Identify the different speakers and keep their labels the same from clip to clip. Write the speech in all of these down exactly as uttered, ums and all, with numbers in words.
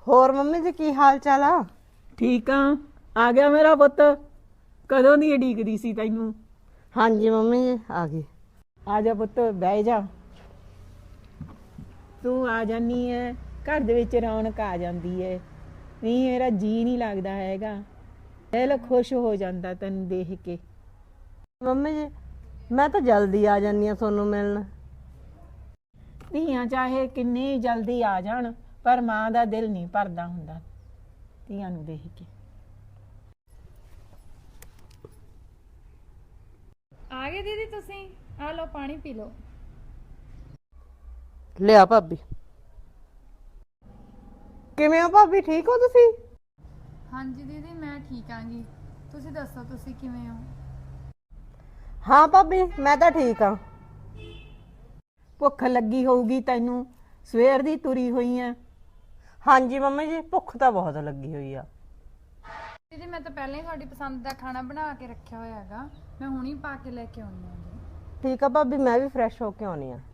Speaker 1: ਹੋਰ ਮੰਮੀ जी की हाल चाल आ?
Speaker 2: ठीक आ आ गया मेरा पुत। कदों दी उਡੀਕਦੀ ਸੀ ਤੈਨੂੰ।
Speaker 1: हाँ जी मम्मी जी आ गई।
Speaker 2: ਆ ਜਾ ਪੁੱਤ ਬਹਿ ਜਾ। ਤੂੰ ਆ ਜਾਨੀ ਹੈ ਘਰ ਦੇ ਵਿੱਚ ਰੌਣਕ ਆ ਜਾਂਦੀ ਹੈ। ਨਹੀਂ ਮੇਰਾ ਜੀ ਨਹੀਂ ਲੱਗਦਾ ਹੈਗਾ। ਦਿਲ ਖੁਸ਼ ਹੋ ਜਾਂਦਾ ਤੈਨੂੰ ਦੇਖ ਕੇ।
Speaker 1: मम्मी जी मैं तो जल्दी आ जानी आ सोनू मिलन।
Speaker 2: ਧੀਆਂ ਚਾਹੇ ਕਿੰਨੇ ਜਲਦੀ ਆ ਜਾਣ ਪਰ ਮਾਂ ਦਾ ਦਿਲ ਨਹੀਂ ਭਰਦਾ ਹੁੰਦਾ ਧੀਆਂ ਨੂੰ ਦੇਖ ਕੇ।
Speaker 3: ਆ ਗਏ ਦੀਦੀ ਤੁਸੀਂ? ਆ ਲਓ ਪਾਣੀ ਪੀ ਲਓ।
Speaker 1: लिया भाभी किवें हो भाभी ठीक हो तुसी?
Speaker 3: ਹਾਂਜੀ ਦੀਦੀ ਮੈਂ ਠੀਕ ਆਂਗੀ। ਤੁਸੀਂ ਦੱਸੋ ਤੁਸੀਂ ਕਿਵੇਂ ਹੋ?
Speaker 1: हाँ भाभी मैं तो ठीक हाँ।
Speaker 2: ਭੁੱਖ ਲੱਗੀ ਹੋਊਗੀ ਤੈਨੂੰ ਸਵੇਰ ਦੀ ਤੁਰੀ ਹੋਈ ਆ।
Speaker 1: हाँ जी मम्मी जी भुख तो बहुत लगी हुई आ।
Speaker 3: ਦੀਦੀ ਮੈਂ ਤਾਂ ਪਹਿਲਾਂ ਹੀ ਤੁਹਾਡੀ ਪਸੰਦ ਦਾ ਖਾਣਾ ਬਣਾ ਕੇ ਰੱਖਿਆ ਹੋਇਆ ਹੈਗਾ। ਮੈਂ ਹੁਣੀ ਪਾ ਕੇ ਲੈ ਕੇ ਆਉਣੀ ਹਾਂ ਜੀ।
Speaker 1: ठीक है भाभी मैं भी फ्रेश होके आनी आ।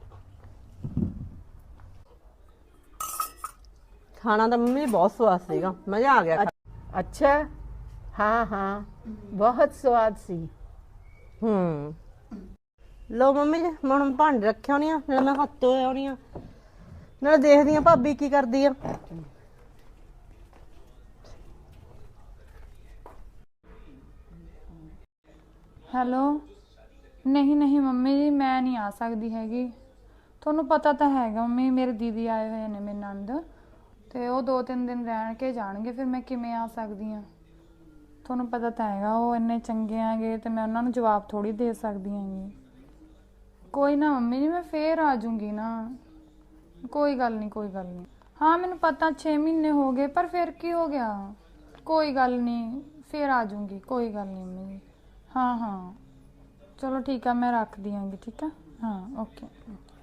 Speaker 1: खाना तो मम्मी जी बहुत स्वाद सीगा मजा आ गया।
Speaker 2: ਅੱਛਾ ਹਾਂ ਹਾਂ ਬਹੁਤ ਸਵਾਦ ਸੀ।
Speaker 1: हम्म लो मम्मी जी मैं हुण भांडे रखे होने आ नाले मैं हत्थ धोए होने आ नाले देखदी आ भाभी की करदी आ।
Speaker 3: ਹੈਲੋ ਨਹੀਂ ਨਹੀਂ ਮੰਮੀ ਜੀ ਮੈਂ ਨਹੀਂ ਆ ਸਕਦੀ ਹੈਗੀ। ਤੁਹਾਨੂੰ ਪਤਾ ਤਾਂ ਹੈਗਾ ਮੰਮੀ ਮੇਰੇ ਦੀਦੀ ਆਏ ਹੋਏ ਨੇ ਮੇਰੇ ਨੰਦ ਤੇ ਉਹ ਦੋ ਤਿੰਨ ਦਿਨ ਰਹਿਣ ਕੇ ਜਾਣਗੇ ਫਿਰ ਮੈਂ ਕਿਵੇਂ ਆ ਸਕਦੀ ਆ। ਤੁਹਾਨੂੰ ਪਤਾ ਤਾਂ ਹੈਗਾ ਉਹ ਇੰਨੇ ਚੰਗੇ ਆਗੇ ਤੇ ਮੈਂ ਉਹਨਾਂ ਨੂੰ ਜਵਾਬ ਥੋੜੀ ਦੇ ਸਕਦੀ ਆਂਗੀ। ਕੋਈ ਨਾ ਮੰਮੀ ਜੀ ਮੈਂ ਫੇਰ ਆ ਜਾਊਂਗੀ ਨਾ। ਕੋਈ ਗੱਲ ਨਹੀਂ ਕੋਈ ਗੱਲ ਨਹੀਂ। ਹਾਂ ਮੈਨੂੰ ਪਤਾ ਛੇ ਮਹੀਨੇ ਹੋ ਗਏ ਪਰ ਫਿਰ ਕੀ ਹੋ ਗਿਆ। ਕੋਈ ਗੱਲ ਨਹੀਂ ਫੇਰ ਆ ਜਾਊਂਗੀ ਕੋਈ ਗੱਲ ਨਹੀਂ ਮੰਮੀ ਜੀ। हाँ हाँ चलो ठीक है मैं रख दियांगी ठीक है हाँ ओके।